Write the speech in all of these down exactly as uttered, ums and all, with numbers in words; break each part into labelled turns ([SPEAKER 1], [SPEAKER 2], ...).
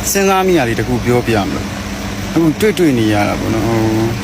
[SPEAKER 1] စဉ်းစားမိရလေတခုပြောပြမလို့အခုတွေ့တွေ့နေရတာပေါ့နော်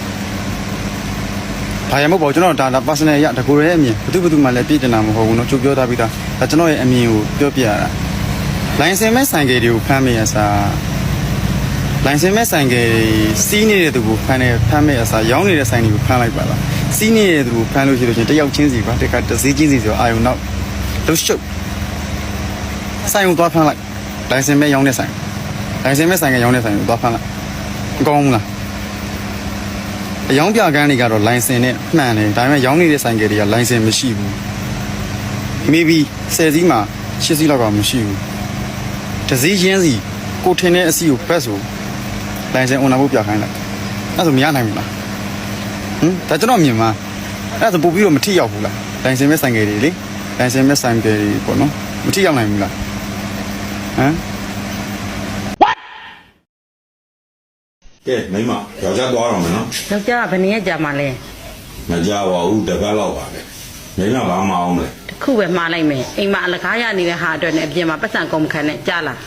[SPEAKER 1] ဘာရမဟုတ်ပါကျွန်တော်ဒါဒါ personal ရတကူရဲ့အမြင်ဘယ်သူဘယ်သူမှလည်းပြည့်တင်တာမဟုတ်ဘူးနော်ချုပ်ပြောထားပြီးသားဒါကျွန်တော်ရဲ့အမြင်ကိုပြောပြရတာလိုင်စင်မဲ့ဆိုင်ကယ်တွေကိုဖမ်းမိရစားလိုင်စင်မဲ့ဆိုင်ကယ်စီးနေတဲ့သူကိုဖမ်းနေဖမ်းမိရစားရောင်းနေတဲ့ဆိုင်တွေကိုဖမ်းလိုက်ပါလားစီးနေတဲ့သူကိုဖမ်းလို့ရှိလို့ချင်းတယောက်ချင်းစီပါတက်ကတစည်းချင်းစီဆိုအာယုံနောက်လှုပ်ရှုပ်ဆိုင်ကိုသွားဖမ်းလိုက်လိုင်စင်မဲ့ရောင်းတဲ့ဆိုင်လိုင်စင်မဲ့ဆိုင်ကရောင်းတဲ့ဆိုင်ကိုသွားဖမ်းလိုက်မကောင်းဘူးလားအယောင်ပြကန်းတွေကတော့လိုင်စင်နဲ့မှန်တယ်ဒါပေမဲ့ရောင်းနေတဲ့ဆိုင်ကယ်တွေကလိုင်စင်မရှိဘူး maybe ဆယ်စီးမှာရှစ်စီးလောက်ကမရှိဘူးတစည်းချင်းစီကိုထင်တဲ့အစီကိုဘက်ဆိုလိုင်စင် owner ဖို့ပြခိုင်းလိုက်အဲ့ဆိုမရနိုင်ဘူးလားဟမ်ဒါကျွန်တော်မြင်မှာအဲ့ဒါပို့ပြီးတော့မထိရောက်ဘူးလားလိုင်စင်မဲ့ဆိုင်ကယ်တွေလေလိုင်စင်မဲ့ဆိုင်ကယ်တွေပေါ့နော်မထိရောက်နိုင်ဘူးလားဟမ်
[SPEAKER 2] ကဲမိမယောက်ျားသွားတော့မယ်နော်
[SPEAKER 3] ယောက်ျားကဘယ်နည်းကြာမှလဲ
[SPEAKER 2] မကြပါဘူးတပတ်လောက်ပါပဲမိမဘာမအောင်လဲ
[SPEAKER 3] တခုပဲမှားလိုက်မယ်အိမ်မှာအလကားရနေတဲ့ဟာအတွက်နဲ့အပြင်မှာပတ်စံကုန်မခံနဲ့ကြားလား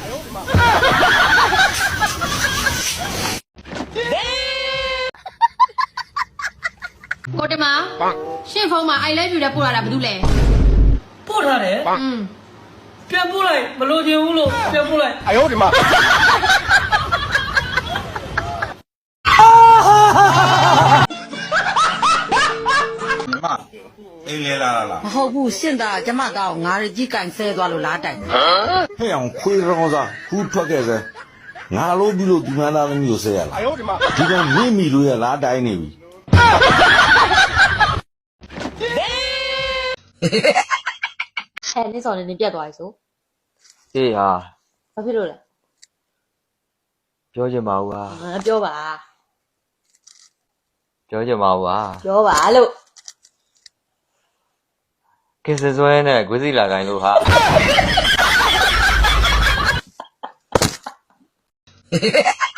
[SPEAKER 4] ကိုတမရှင့်ဖုန်းမှာ I love you တဲ့ပို့လာတာဘာလို့လဲ
[SPEAKER 5] ပို့ထားတယ်อืมပြန်ပို့လိုက်မလို့ချင်ဘူးလို့ပြန်ပို့လိုက်
[SPEAKER 6] 哎呦我的妈
[SPEAKER 2] အိမ်လဲလာလား
[SPEAKER 3] မဟုတ်ဘူးရှင့်သားကျမသားကိုငါးကြီးကန်ဆဲသွားလို့လားတိုင်
[SPEAKER 2] ဟဲ့အောင်ခွေးရောစားခူးထွက်ခဲ့စဲငါလို့ပြီးလို့ဒီမသားသမီးကိုဆဲရလား
[SPEAKER 6] 哎呦我的妈
[SPEAKER 2] ဒီကမိမိလို့ရလားတိုင်းနေပြီ
[SPEAKER 4] အဲနင်းစော်နေနေပြတ်သွားပြီဆို
[SPEAKER 7] အေးဟာ
[SPEAKER 4] ဘာဖြစ်လို့လဲ
[SPEAKER 7] ပြောချင်ပါဘူးဟာ
[SPEAKER 4] ငါပြောပါ
[SPEAKER 7] ပြောချင်ပါဘူးဟာ
[SPEAKER 4] ပြောပါလို့
[SPEAKER 7] ကဲစစွဲနဲ့ကွေးစီလာကိုင်းလို့ဟာ